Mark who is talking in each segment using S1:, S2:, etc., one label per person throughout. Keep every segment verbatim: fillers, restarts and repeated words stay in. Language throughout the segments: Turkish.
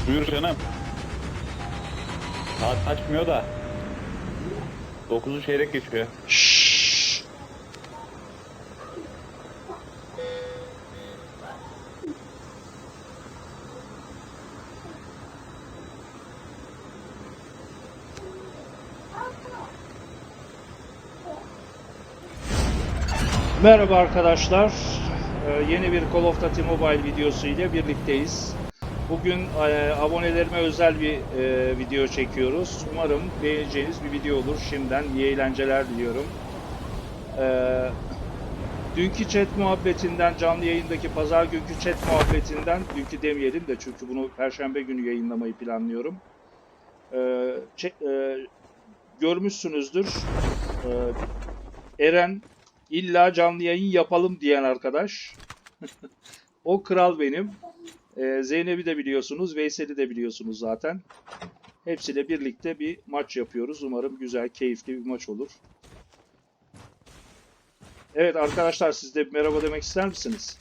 S1: Buyur canım. Saat açmıyor da. dokuzu çeyrek geçiyor.
S2: Şşş. Merhaba arkadaşlar. Ee, yeni bir Call of Duty Mobile videosu ile birlikteyiz. Bugün e, abonelerime özel bir e, video çekiyoruz. Umarım beğeneceğiniz bir video olur. Şimdiden iyi eğlenceler diliyorum. Ee, dünkü chat muhabbetinden, canlı yayındaki pazar günkü chat muhabbetinden, dünkü demeyelim de çünkü bunu Perşembe günü yayınlamayı planlıyorum. Ee, chat, e, görmüşsünüzdür. Ee, Eren illa canlı yayın yapalım diyen arkadaş. O kral benim. Ee, Zeynep'i de biliyorsunuz, Veysel'i de biliyorsunuz zaten. Hepsiyle birlikte bir maç yapıyoruz. Umarım güzel, keyifli bir maç olur. Evet arkadaşlar, siz de bir merhaba demek ister misiniz?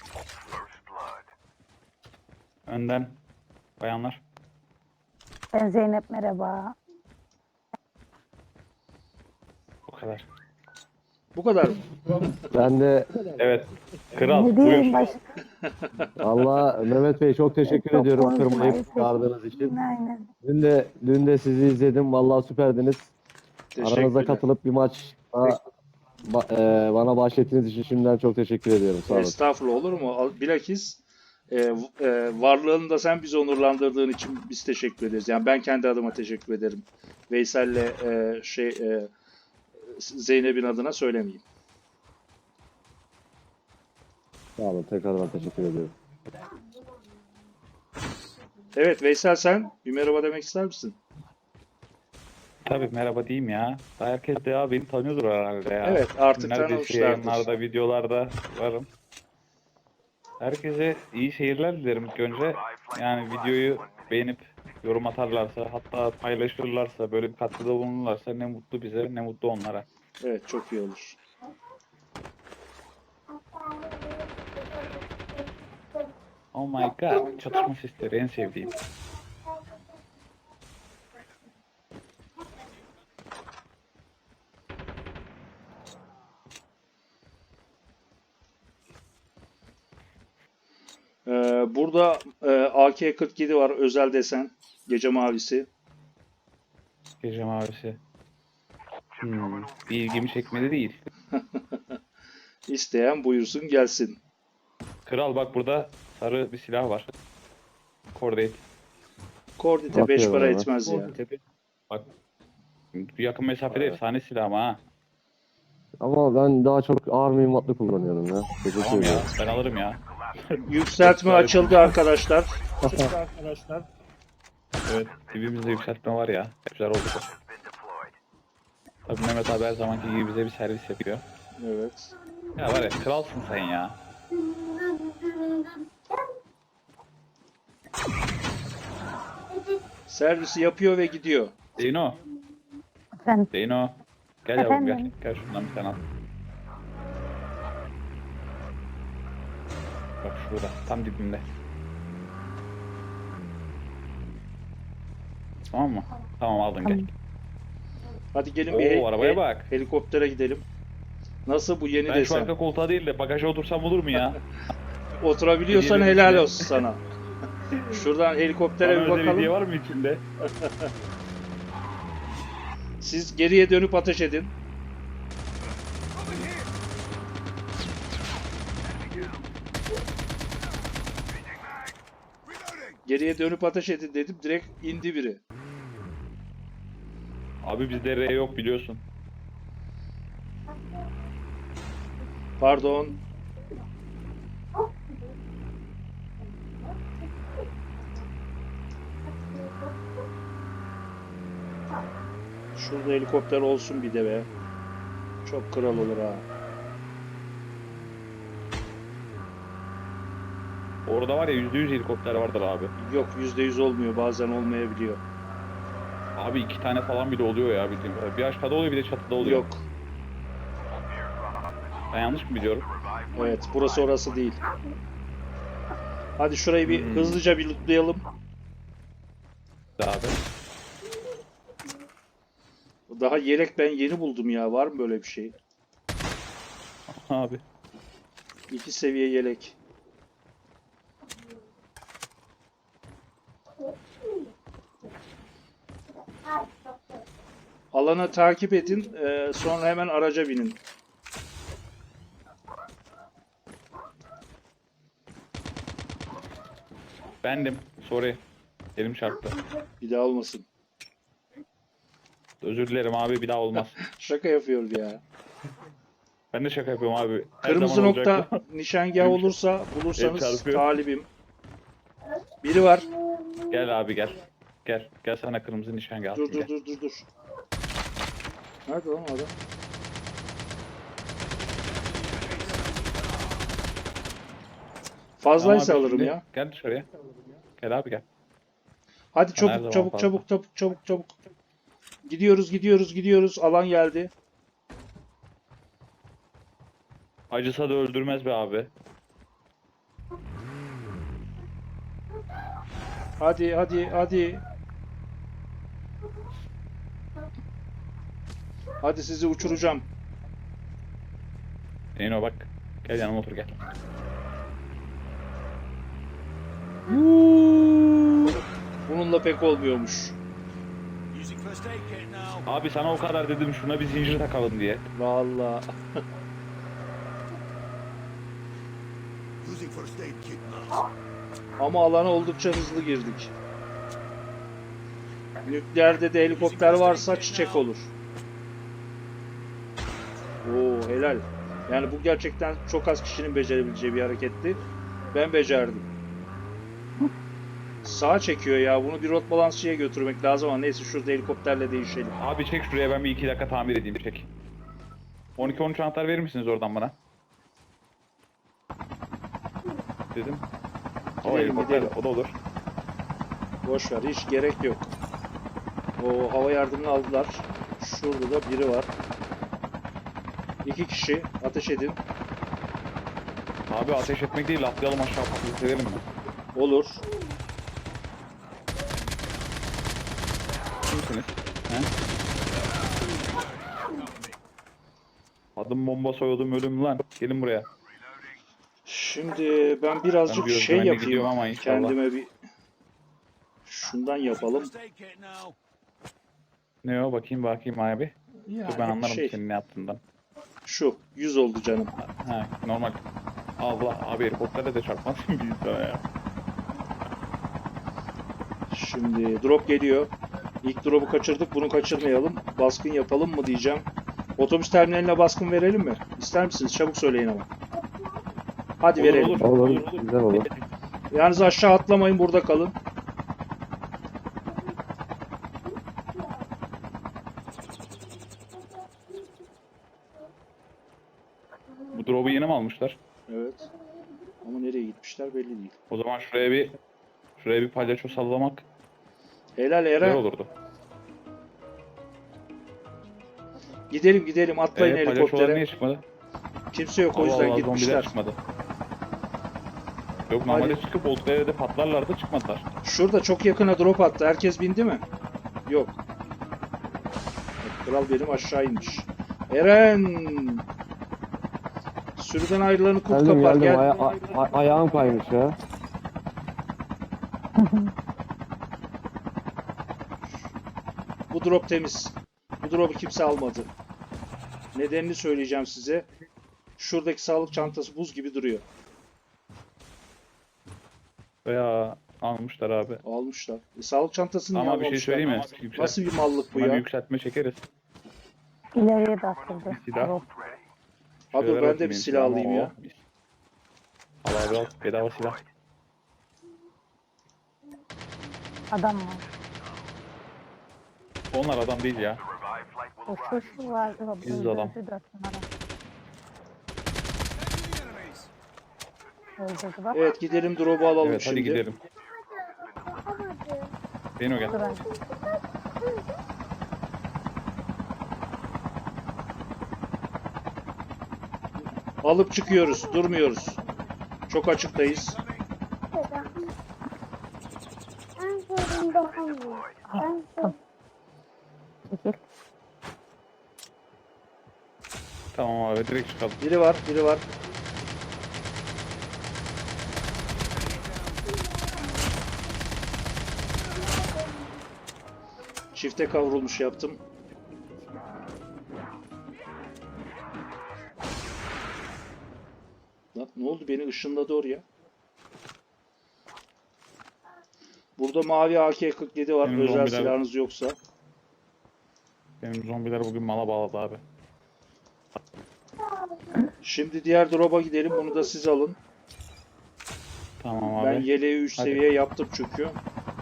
S1: Önden bayanlar.
S3: Ben Zeynep, merhaba.
S1: Bu kadar.
S2: Bu kadar mı?
S4: Ben de
S1: Evet. Kral
S3: Ne
S1: buyur.
S3: diyeyim başka?
S4: Allah Mehmet Bey çok teşekkür
S3: Çok
S4: ediyorum
S3: konuşmayı
S4: kırmayıp çağırdığınız için.
S3: Aynen.
S4: Dün de dün de sizi izledim. Vallahi süperdiniz. Aranıza
S2: Teşekkürler.
S4: katılıp bir maç ba- ba- e, bana bahşettiğiniz için şimdiden çok teşekkür ediyorum. Sağ olun.
S2: Estağfurullah, olur mu? Al- Bilakis e, v- e, varlığını da sen bizi onurlandırdığın için biz teşekkür ederiz. Yani ben kendi adıma teşekkür ederim. Veysel'le e, şey e, Zeynep'in adına söylemeyeyim.
S4: Sağ olun. Tekrardan teşekkür ediyorum.
S2: Evet Veysel, sen bir merhaba demek ister misin?
S1: Tabii merhaba diyeyim ya. Daha herkes de ya beni tanıyordur herhalde ya.
S2: Evet, artık
S1: Neredeyse
S2: tanımışlardır.
S1: yayınlarda, videolarda varım. Herkese iyi seyirler dilerim ilk önce. Yani videoyu beğenip yorum atarlarsa, hatta paylaşırlarsa, böyle bir katkıda bulunurlarsa ne mutlu bize, ne mutlu onlara.
S2: Evet, çok iyi olur.
S1: Oh my god, çatışma sesleri en sevdiğim.
S2: Ee, burada e, A K kırk yedi var, özel desen. Gece mavisi.
S1: Gece mavisi. Hmm, bir ilgimi çekmedi değil.
S2: İsteyen buyursun gelsin.
S1: Kral bak burada sarı bir silah var. Kordate.
S2: Kordite beş
S4: Bakıyorum
S2: para
S4: hemen.
S2: etmez ya.
S1: Bak yakın mesafede efsane silah ama ha.
S4: Ama ben daha çok ağır mühimmatlı kullanıyorum ya. Teşekkür
S1: Tamam ya
S4: ederim.
S1: ben alırım ya.
S2: Yükseltme açıldı arkadaşlar.
S1: Evet dibimizde yükseltme var ya. Güzel oldu bu. Tabii Mehmet abi her zamanki gibi bize bir servis yapıyor.
S2: Evet.
S1: Ya var ya kralsın sen ya.
S2: Servisi yapıyor ve gidiyor.
S1: Zeyno.
S3: Efendim,
S1: Zeyno. Gel yavrum gel.
S3: Efendim?
S1: Gel şundan bir tane al. Bak şurada tam dibimde. Tamam mı? Tamam aldın gel.
S2: Hadi gelin
S1: Oo,
S2: bir hel-
S1: arabaya
S2: he-
S1: bak.
S2: helikoptere gidelim. Nasıl bu yeni
S1: Ben şu
S2: desen?
S1: arka koltuğa değil de bagaja otursam olur mu ya?
S2: Oturabiliyorsan
S1: Hediye
S2: helal
S1: içinde.
S2: olsun sana. Şuradan helikoptere
S1: Bana
S2: bir
S1: özel hediye
S2: bakalım.
S1: var mı içinde?
S2: Siz geriye dönüp ateş edin. Geriye dönüp ateş edin dedim. Direkt indi biri.
S1: Abi bizde R yok biliyorsun.
S2: Pardon. Şurada helikopter olsun bir de be. Çok kral olur ha.
S1: Orada var ya yüzde yüz helikopter vardır abi.
S2: Yok, yüzde yüz olmuyor, bazen olmayabiliyor.
S1: Abi iki tane falan bile oluyor ya bildiğim kadar. Bir aşağıda oluyor bir de çatıda oluyor.
S2: Yok.
S1: Ben yanlış mı biliyorum?
S2: Evet, burası orası değil. Hadi şurayı bir
S1: Hmm.
S2: hızlıca bir lootlayalım.
S1: abi.
S2: Daha yelek ben yeni buldum ya. Var mı böyle bir şey?
S1: Abi.
S2: İki seviye yelek. Alanı takip edin. e, sonra hemen araca binin.
S1: Bendim. Sorry. Elim çarptı.
S2: Bir daha olmasın.
S1: Özür dilerim abi, bir daha olmaz.
S2: Şaka yapıyor ya.
S1: Ben de şaka yapıyorum abi. Her
S2: Kırmızı
S1: zaman
S2: nokta
S1: olacak bu.
S2: nişangah
S1: Benim-
S2: olursa
S1: El
S2: bulursanız
S1: çarpıyor.
S2: talibim. Biri var.
S1: Gel abi gel. Gel. Gel sana kırmızı nişangah
S2: Dur
S1: atayım.
S2: dur
S1: Gel.
S2: dur dur dur. Nerede lan o adam? Fazlaysa
S1: Tamam abi,
S2: alırım
S1: şimdi
S2: ya.
S1: Gel dışarıya. Gel abi gel.
S2: Hadi
S1: her
S2: çabuk
S1: zaman
S2: çabuk
S1: fazla.
S2: çabuk çabuk çabuk çabuk. Gidiyoruz gidiyoruz gidiyoruz. Alan geldi.
S1: Acısa da öldürmez be abi.
S2: Hadi hadi hadi. Hadi sizi uçuracağım.
S1: Neyine bak. Gel yanıma otur gel.
S2: Bununla pek olmuyormuş.
S5: Using first aid kit now.
S1: Abi sana o kadar dedim şuna bir zincir takalım diye.
S2: Vallahi.
S5: Using first aid kit now.
S2: Ama alana oldukça hızlı girdik. Nükleerde de helikopter varsa çiçek olur. Oo helal. Yani bu gerçekten çok az kişinin becerebileceği bir hareketti. Ben becerdim. Sağa çekiyor ya. Bunu bir rot balansçıya götürmek lazım ama neyse şurada helikopterle değişelim.
S1: Abi çek şuraya, ben bir iki dakika tamir edeyim, çek. on iki on üç anahtar verir misiniz oradan bana? Dedim. O
S2: Gidelim,
S1: helikopter
S2: gidelim.
S1: o da olur.
S2: Boş ver, hiç gerek yok. O hava yardımını aldılar. Şurada da biri var. İki kişi ateş edin.
S1: Abi ateş etmek değil, atlayalım aşağı patlayıp sevelim mi?
S2: Olur.
S1: Kimsiniz? He? Adım bomba soyadım ölüm lan. Gelin buraya.
S2: Şimdi ben
S1: Ben
S2: birazcık
S1: bir
S2: şey
S1: özgüvenle
S2: yapayım.
S1: gidiyorum ama inşallah.
S2: Kendime bir şundan yapalım.
S5: First aid kit now.
S1: Ne o, bakayım bakayım abi.
S2: Yani
S1: Dur ben anlarım
S2: şey,
S1: senin ne yaptığından.
S2: şu yüz oldu canım.
S1: Ha normal. Allah abi, helikopterle de çarpmazsın bir insana ya.
S2: Şimdi drop geliyor. İlk drop'u kaçırdık. Bunu kaçırmayalım. Baskın yapalım mı diyeceğim. Otobüs terminaline baskın verelim mi? İster misiniz? Çabuk söyleyin ama. Hadi
S1: Olur,
S2: verelim.
S1: olur.
S4: Olur, güzel olur.
S2: Yalnız aşağı atlamayın, burada kalın.
S1: Bu drop'u yeni mi almışlar?
S2: Evet. Ama nereye gitmişler belli değil.
S1: O zaman şuraya bir şuraya bir palyaço sallamak
S2: Helal
S1: güzel
S2: Eren.
S1: olurdu.
S2: Gidelim gidelim, atlayın
S1: Ee, palyaçolar
S2: helikoptere.
S1: niye çıkmadı?
S2: Kimse yok, o
S1: Allah
S2: yüzden
S1: Allah, zombiler
S2: gitmişler.
S1: çıkmadı. Yok normalde
S2: Hadi.
S1: çıkıp oldukları yerde patlarlardı, çıkmadılar.
S2: Şurada çok yakına drop attı. Herkes bindi mi? Yok. Kral benim aşağı inmiş. Eren! Sürüden ayrılanı kurt
S4: Geldim
S2: kapar.
S4: geldim.
S2: Gel.
S4: Aya- a- a- ayağım kaymış ya.
S2: Bu drop temiz. Bu drop'u kimse almadı. Nedenini söyleyeceğim size. Şuradaki sağlık çantası buz gibi duruyor.
S1: Veya almışlar abi.
S2: Almışlar. E, sağlık çantasını niye
S1: Ama bir şey
S2: almamışlar?
S1: söyleyeyim mi? Yüksel,
S2: Nasıl bir mallık bu
S1: buna bir
S2: ya?
S1: yükseltme çekeriz.
S3: İleriye de atıldı.
S1: Silah.
S3: Drop.
S2: Ha dur
S1: Şeyler
S2: ben de
S1: atayım
S2: bir
S1: benim
S2: silah
S1: silahıma,
S2: alayım ya.
S1: o. Al abi al, bedava silah.
S3: Adam var.
S1: Onlar adam değil ya.
S3: O şu şu var. O
S1: Yüz
S3: öldürdü
S1: adam.
S3: dört numara.
S5: Enemies.
S3: Öldürdü bak.
S2: Evet gidelim drop'u alalım
S1: Evet
S2: şimdi.
S1: hadi gidelim. Beni gel.
S3: Dur ben.
S2: Alıp çıkıyoruz. Durmuyoruz. Çok açıktayız.
S6: Ben sorun daha mı?
S3: Çekil.
S1: Tamam abi direkt çıkalım.
S2: Biri var, biri var. Çifte kavrulmuş yaptım. Lan ne oldu? Beni ışınladı oraya. Burada mavi A K kırk yedi var.
S1: Benim
S2: Özel
S1: zombiler-
S2: silahınız yoksa.
S1: Benim zombiler bugün mala bağladı abi.
S2: Şimdi diğer drop'a gidelim. Bunu da siz alın.
S1: Tamam abi.
S2: Ben yeleği üç
S1: Hadi.
S2: seviye yaptım çünkü.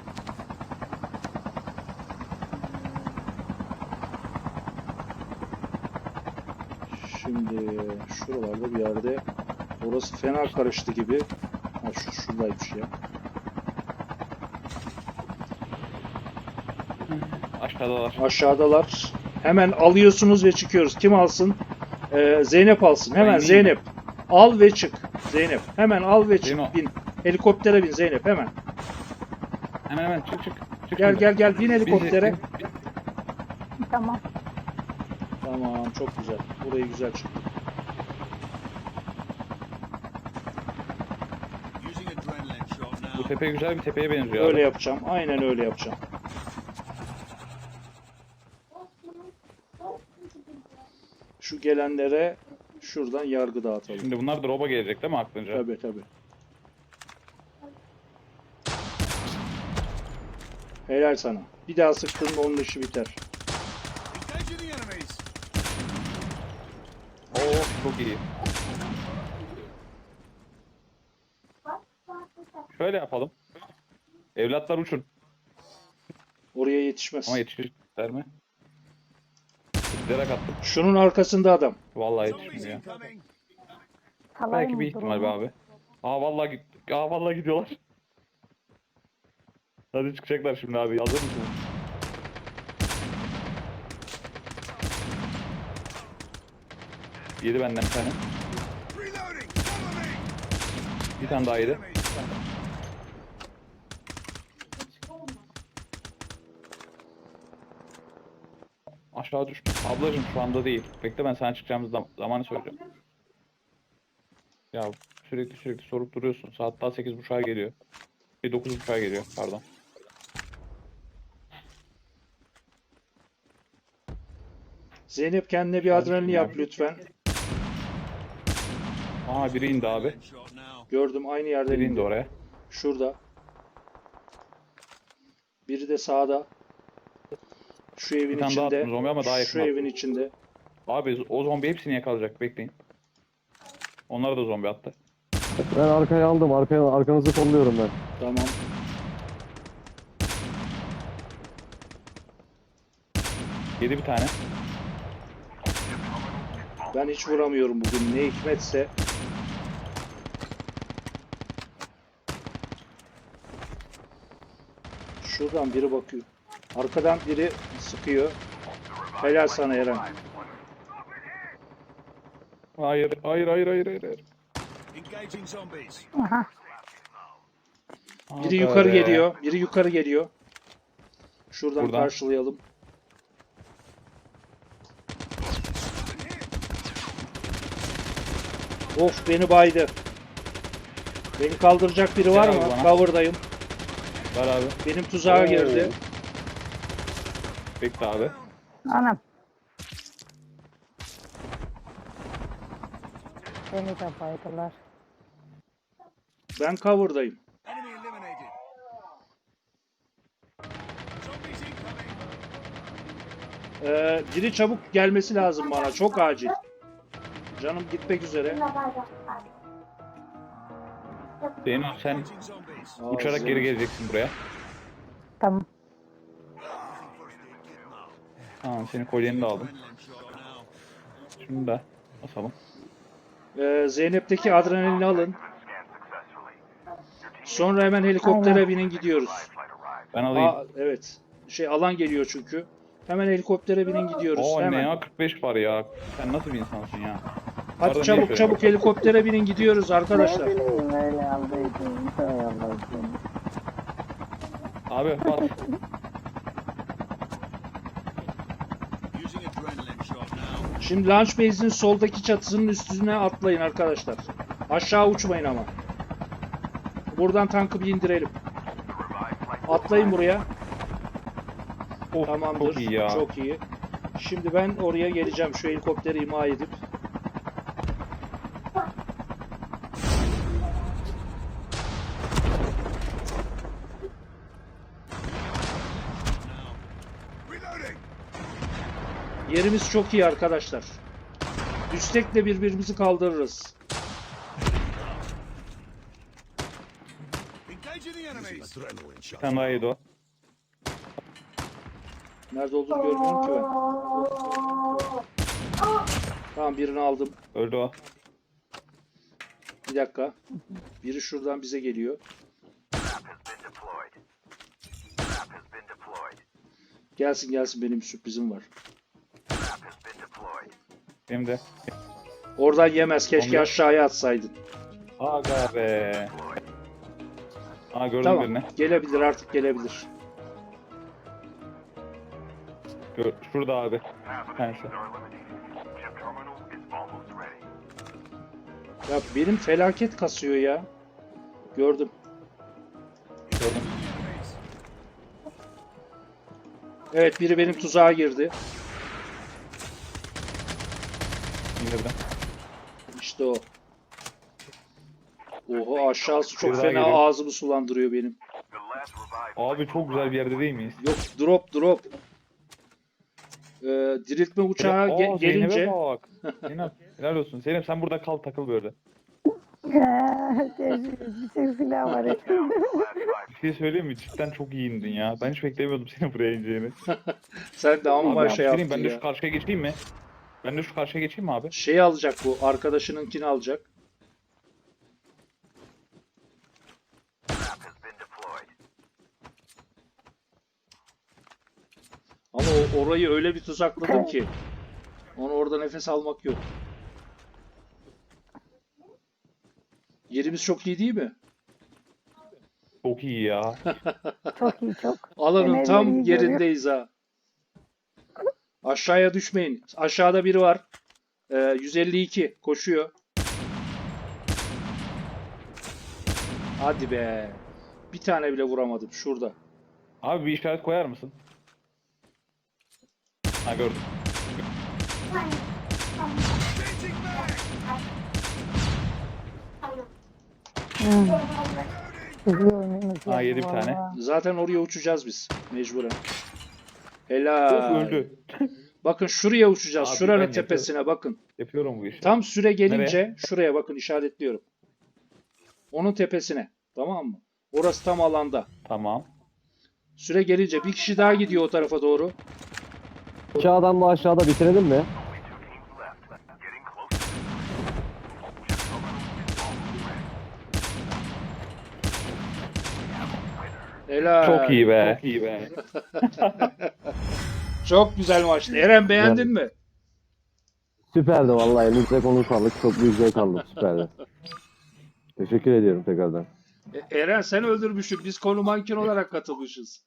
S2: Şimdi şuralarda bir yerde, orası fena karıştı gibi. Ha şu şuradaymış ya.
S1: Aşağıdalar.
S2: Aşağıdalar. Hemen alıyorsunuz ve çıkıyoruz. Kim alsın? Ee, Zeynep alsın. Hemen
S1: Ben
S2: Zeynep. Al ve çık. Zeynep. Hemen al ve çık.
S1: Zeyno.
S2: Bin. Helikoptere bin Zeynep hemen.
S1: Hemen hemen çık çık. çık
S2: Gel
S1: şimdi.
S2: gel gel bin helikoptere.
S1: Bizi-
S3: Tamam.
S2: Tamam çok güzel. Burayı güzel çıktı.
S5: Using adrenaline shot
S1: Bu
S5: now.
S1: tepe güzel bir tepeye benziyor
S2: Öyle
S1: abi.
S2: yapacağım. Aynen öyle yapacağım. Şu gelenlere şuradan yargı dağıtalım.
S1: Şimdi bunlar drop'a gelecek değil mi aklınca?
S2: Tabii tabii. Helal sana. Bir daha sıktın mı onun işi biter.
S5: Engaging the enemies.
S1: Oo çok iyi. Şöyle yapalım. Evlatlar uçun.
S2: Oraya yetişmez.
S1: Ama yetişecekler mi? Direkt attım.
S2: Şunun arkasında adam.
S1: Vallahi
S5: Zombies
S1: yetişmiyor.
S5: incoming.
S3: Kalay
S1: Belki
S3: mı
S1: bir ihtimal be
S3: durumu?
S1: abi. Aa vallahi git. Aa vallahi gidiyorlar. Hadi çıkacaklar şimdi abi. Hazır mısın? Yedi benden bir tane.
S5: Reloading. Cover me.
S1: Bir tane daha yedi.
S5: Enemies.
S1: Aşağı düştü. Ablacım şu anda değil. Bekle ben sana çıkacağımız zam- zamanı söyleyeceğim. Ya sürekli sürekli sorup duruyorsun. Saat daha sekiz buçuğa geliyor. Bir dokuz buçuğa geliyor pardon.
S2: Zeynep kendine bir
S1: Hadi
S2: adrenalin
S1: şimdi
S2: yap
S1: abi.
S2: lütfen.
S1: Aa biri indi abi.
S5: Shot now.
S2: Gördüm aynı yerde
S1: Biri indi
S2: indi.
S1: oraya.
S2: Şurada. Biri de sağda. Şu evin
S1: Bir tane daha
S2: içinde.
S1: attım zombi ama daha yakın
S2: Şu
S1: attım.
S2: evin içinde.
S1: Abi o zombi hepsini yakalayacak. Bekleyin. Onlara da zombi attı.
S4: Ben arkaya aldım. Arkaya, arkanızı kolluyorum ben.
S2: Tamam.
S1: Yedi bir tane.
S2: Ben hiç vuramıyorum bugün. Ne hikmetse. Şuradan biri bakıyor. Arkadan biri sıkıyor. Helal sana Eren.
S1: Hayır, hayır, hayır, hayır, hayır. hayır.
S5: Engaging zombies.
S3: Aha.
S2: Biri
S1: Aga
S2: yukarı
S1: be.
S2: geliyor. Biri yukarı geliyor. Şuradan
S1: Buradan.
S2: karşılayalım. Of beni baydı. Beni kaldıracak biri var
S1: Gel
S2: mı?
S1: abi bana.
S2: Cover'dayım.
S1: Ver abi.
S2: Benim tuzağa
S1: Oo.
S2: girdi.
S1: Bekle abi.
S3: Anam. Beni de baydılar.
S2: Ben cover'dayım.
S5: Enemy eliminated. Zombies incoming.
S2: Ee, biri çabuk gelmesi lazım bana. Çok acil. Canım gitmek üzere.
S1: Zeyno sen
S5: Engaging zombies.
S2: Aa,
S1: uçarak
S2: Zeynep.
S1: geri geleceksin buraya.
S3: Tamam.
S1: Tamam senin kolyeni de aldım.
S5: Adrenaline shot now.
S1: Şimdi de basalım.
S2: Ee, Zeynep'teki adrenalini alın. Sonra hemen helikoptere
S3: Aynen.
S2: binin gidiyoruz.
S1: Ben alayım.
S2: Aa, evet. Şey alan geliyor çünkü. Hemen helikoptere binin gidiyoruz.
S1: Oo ne
S2: hemen.
S1: ya kırk beş var ya. Sen nasıl bir insansın ya?
S2: Hadi
S1: Pardon,
S2: çabuk
S1: niye
S2: çabuk helikoptere binin gidiyoruz arkadaşlar.
S3: Ne bileyim öyle aldıydım. Hay Allah'ım.
S1: Abi bas.
S2: Şimdi launch base'in soldaki çatısının üstüne atlayın arkadaşlar. Aşağı uçmayın ama. Buradan tankı bir indirelim. Atlayın buraya.
S1: Of,
S2: Tamamdır.
S1: çok iyi ya.
S2: Çok iyi. Şimdi ben oraya geleceğim. Şu helikopteri imha edip.
S5: Reloading.
S2: Yerimiz çok iyi arkadaşlar. Üstekle birbirimizi kaldırırız.
S5: Engaging the enemies.
S1: Bir tane daha yedi o.
S2: Nerede olduğunu görmüyorum ki ben. Tamam, birini aldım.
S1: Öldü o.
S2: Bir dakika. Biri şuradan bize geliyor. Gelsin gelsin, benim bir sürprizim var.
S1: Benim de.
S2: Oradan yemez. Keşke
S1: Onu-
S2: aşağıya atsaydın.
S1: Aga be. Aa gördüm
S2: Tamam.
S1: birini.
S2: Gelebilir, artık gelebilir.
S1: Gör, şurada abi. Bir tanesi.
S2: Ya benim felaket kasıyor ya. Gördüm.
S1: Gördüm.
S2: Evet, biri benim tuzağa girdi.
S1: İndirdim.
S2: İşte o. Oho, aşağısı çok
S1: Bir daha
S2: fena,
S1: geliyor.
S2: ağzımı sulandırıyor benim.
S1: Abi çok güzel bir yerde değil miyiz?
S2: Yok, drop drop. Ee, diriltme uçağı
S1: Aa,
S2: ge-
S1: Zeynep'e
S2: gelince
S1: bak. Zeynep helal olsun. Zeynep sen burada kal, takıl böyle.
S3: Bir tek silah var.
S1: Bir şey söyleyeyim mi? Cidden çok iyi indin ya. Ben hiç beklemiyordum senin buraya ineceğini.
S2: sen de amma
S1: Abi
S2: şey
S1: yaptırayım,
S2: yaptın
S1: ben de
S2: ya.
S1: şu karşıya geçeyim mi? Ben de şu karşıya geçeyim mi abi?
S2: Şeyi alacak bu, arkadaşınınkini alacak. Ama o- orayı öyle bir tuzakladım ki. Onu orada nefes almak yok. Yerimiz çok iyi değil mi?
S1: Çok iyi ya.
S3: Çok iyi çok.
S2: Alanın
S3: Enerjiyi
S2: tam
S3: görüyor.
S2: yerindeyiz ha. Aşağıya düşmeyin. Aşağıda biri var. Ee, yüz elli iki koşuyor. Hadi be. Bir tane bile vuramadım şurada.
S1: Abi bir işaret koyar mısın? Ha gördüm.
S5: Changing mag.
S3: Hmm. Hızlı oynuyoruz
S1: Ha,
S3: ya,
S1: yedi bir tane.
S3: vallahi.
S2: Zaten oraya uçacağız biz mecburen.
S1: Of,
S2: Helal.
S1: öldü.
S2: Bakın şuraya uçacağız.
S1: Abi ben
S2: Şuranın
S1: yapıyorum.
S2: tepesine bakın.
S1: Yapıyorum bu işi.
S2: Tam süre gelince
S1: Nereye?
S2: şuraya bakın, işaretliyorum. Onun tepesine. Tamam mı? Orası tam alanda.
S1: Tamam.
S2: Süre gelince bir kişi daha gidiyor o tarafa doğru.
S4: İki adam da aşağıda, bitirelim mi?
S2: Helal.
S1: Çok iyi be. Çok iyi be.
S2: Çok güzel maçtı. Eren, beğendin mi?
S4: Süperdi vallahi. Elinize konu sağlık. Çok büyük zevk aldım. Süperdi. Teşekkür ediyorum tekrardan.
S2: E- Eren, sen öldürmüşsün. Biz konu manken olarak katılmışız.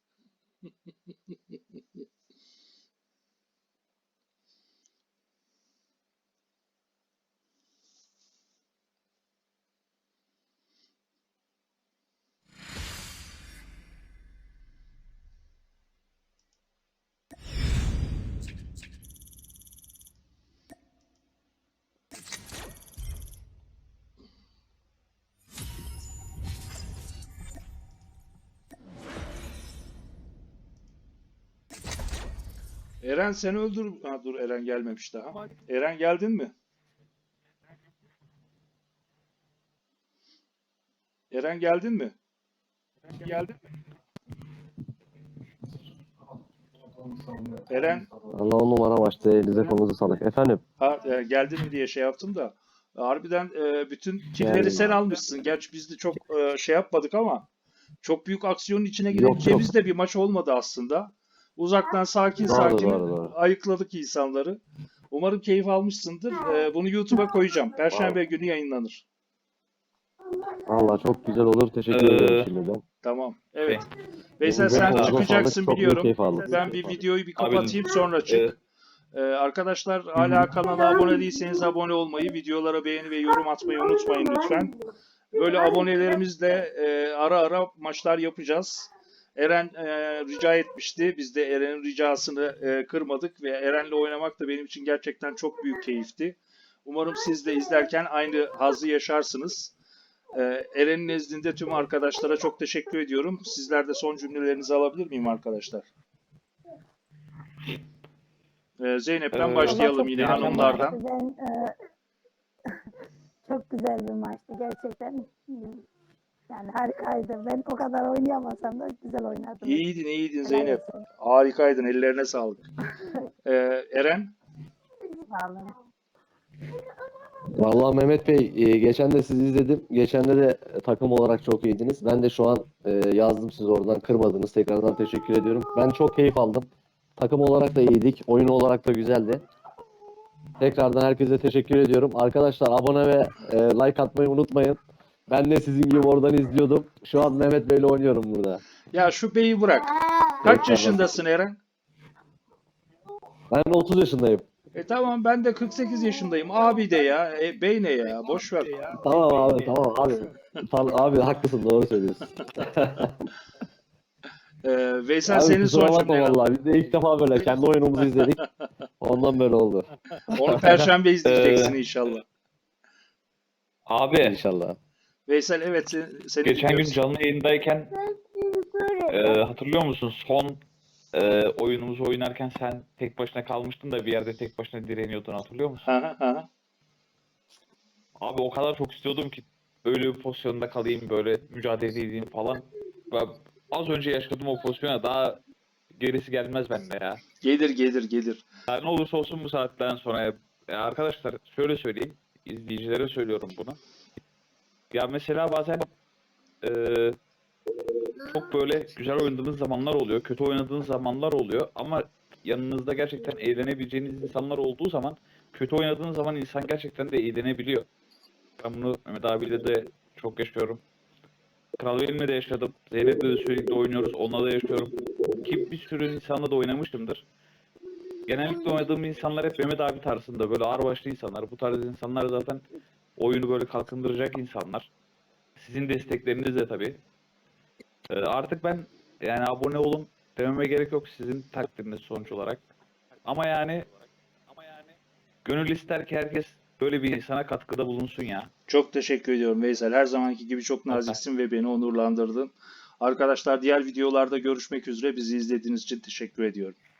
S2: Eren, sen öldür... Ha, dur, Eren gelmemiş daha. Eren, geldin mi? Eren, geldin mi? Geldin mi? Eren,
S4: Allah on numara maçtı. Elinize kolunuza sağlık. Efendim?
S2: ha, e, geldin mi diye şey yaptım da. Harbiden e, bütün killleri
S4: Geldim.
S2: sen almışsın. Gerçi biz de çok e, şey yapmadık ama çok büyük aksiyonun içine
S4: Yok,
S2: girebileceğimiz
S4: yok.
S2: de bir maç olmadı aslında. Uzaktan sakin
S4: Doğru,
S2: sakin
S4: doğru, doğru.
S2: ayıkladık insanları. Umarım keyif almışsındır. E, bunu YouTube'a koyacağım. Perşembe günü yayınlanır.
S4: Vallahi çok güzel olur. Teşekkür
S1: Ee,
S4: ederim şimdiden.
S2: Tamam. Evet.
S1: Şey,
S2: Veysel,
S4: Elinize
S2: sen
S4: kolunuza
S2: çıkacaksın
S4: sağlık, çok büyük
S2: biliyorum.
S4: keyif aldım.
S2: Ben bir videoyu bir
S1: Abi,
S2: kapatayım, sonra çık.
S1: e,
S2: Ee, arkadaşlar hala kanala abone değilseniz abone olmayı, videolara beğeni ve yorum atmayı unutmayın lütfen. Böyle abonelerimizle e, ara ara maçlar yapacağız. Eren e, rica etmişti. Biz de Eren'in ricasını e, kırmadık ve Eren'le oynamak da benim için gerçekten çok büyük keyifti. Umarım siz de izlerken aynı hazzı yaşarsınız. E, Eren'in nezdinde tüm arkadaşlara çok teşekkür ediyorum. Sizler de son cümlelerinizi alabilir miyim arkadaşlar? E, Zeynep'ten
S1: Ee,
S2: başlayalım
S3: Vallahi
S2: yine
S3: çok güzel bir
S2: hanımlardan.
S3: maçtı. Ben, e, çok güzel bir maçtı gerçekten. Yani harikaydı. Ben o kadar oynayamasam da güzel oynadım.
S2: İyiydin, iyiydin
S3: Helal
S2: Zeynep.
S3: olsun.
S2: Harikaydın, ellerine sağlık. E, Eren?
S3: Sağ olun.
S4: Vallahi Mehmet Bey, e, geçen de sizi izledim. Geçen de de takım olarak çok iyiydiniz. Ben de şu an e, yazdım, siz oradan kırmadınız. Tekrardan teşekkür ediyorum. Ben çok keyif aldım. Takım olarak da iyiydik. Oyun olarak da güzeldi. Tekrardan herkese teşekkür ediyorum. Arkadaşlar abone ve e, like atmayı unutmayın. Ben de sizin gibi oradan izliyordum. Şu an Mehmet Bey'le oynuyorum burada.
S2: Ya şu beyi bırak. Kaç
S4: Tekrardan.
S2: yaşındasın Eren?
S4: Ben otuz yaşındayım.
S2: E tamam, ben de kırk sekiz yaşındayım. Abi de ya. E, bey ne ya? Boş ver.
S4: Tamam abi, tamam abi. Tamam, abi haklısın, doğru söylüyorsun.
S2: E, Veysel
S4: Abi
S2: senin
S4: kusura
S2: son
S4: bakma
S2: cümlen.
S4: vallahi. Biz de ilk defa böyle kendi oyunumuzu izledik. Ondan böyle oldu.
S2: Onu Perşembe izleyeceksin inşallah.
S1: Abi
S4: İnşallah.
S2: Veysel evet sen, seni
S1: geçen gün
S2: dinliyoruz.
S1: canlı yayındayken e, hatırlıyor musun? Son e, oyunumuzu oynarken sen tek başına kalmıştın da bir yerde tek başına direniyordun, hatırlıyor musun?
S2: Hı hı hı.
S1: Abi o kadar çok istiyordum ki öyle bir pozisyonda kalayım, böyle mücadele edeyim falan. Ben az önce yaşadım o pozisyona, daha gerisi gelmez bende ya.
S2: Gelir gelir gelir.
S1: Ya ne olursa olsun bu saatten sonra ya arkadaşlar şöyle söyleyeyim, izleyicilere söylüyorum bunu. Ya mesela bazen eee, çok böyle güzel oynadığınız zamanlar oluyor, kötü oynadığınız zamanlar oluyor ama yanınızda gerçekten eğlenebileceğiniz insanlar olduğu zaman kötü oynadığınız zaman insan gerçekten de eğlenebiliyor. Ben bunu Mehmet abiyle de çok yaşıyorum. Kral Velim'le de yaşadım. Zeynep'le de sürekli oynuyoruz. Onunla da yaşıyorum. Ki bir sürü insanla da oynamışımdır. Genellikle oynadığım insanlar hep Mehmet abi tarzında. Böyle ağırbaşlı insanlar. Bu tarz insanlar zaten oyunu böyle kalkındıracak insanlar. Sizin destekleriniz de tabii. Ee, artık ben yani abone olun dememe gerek yok, sizin takdiriniz sonuç olarak. Ama yani ama yani gönül ister ki herkes böyle bir insana katkıda bulunsun ya.
S2: Çok teşekkür ediyorum Veysel. Her zamanki gibi çok naziksin ve beni onurlandırdın. Arkadaşlar diğer videolarda görüşmek üzere. Bizi izlediğiniz için teşekkür ediyorum.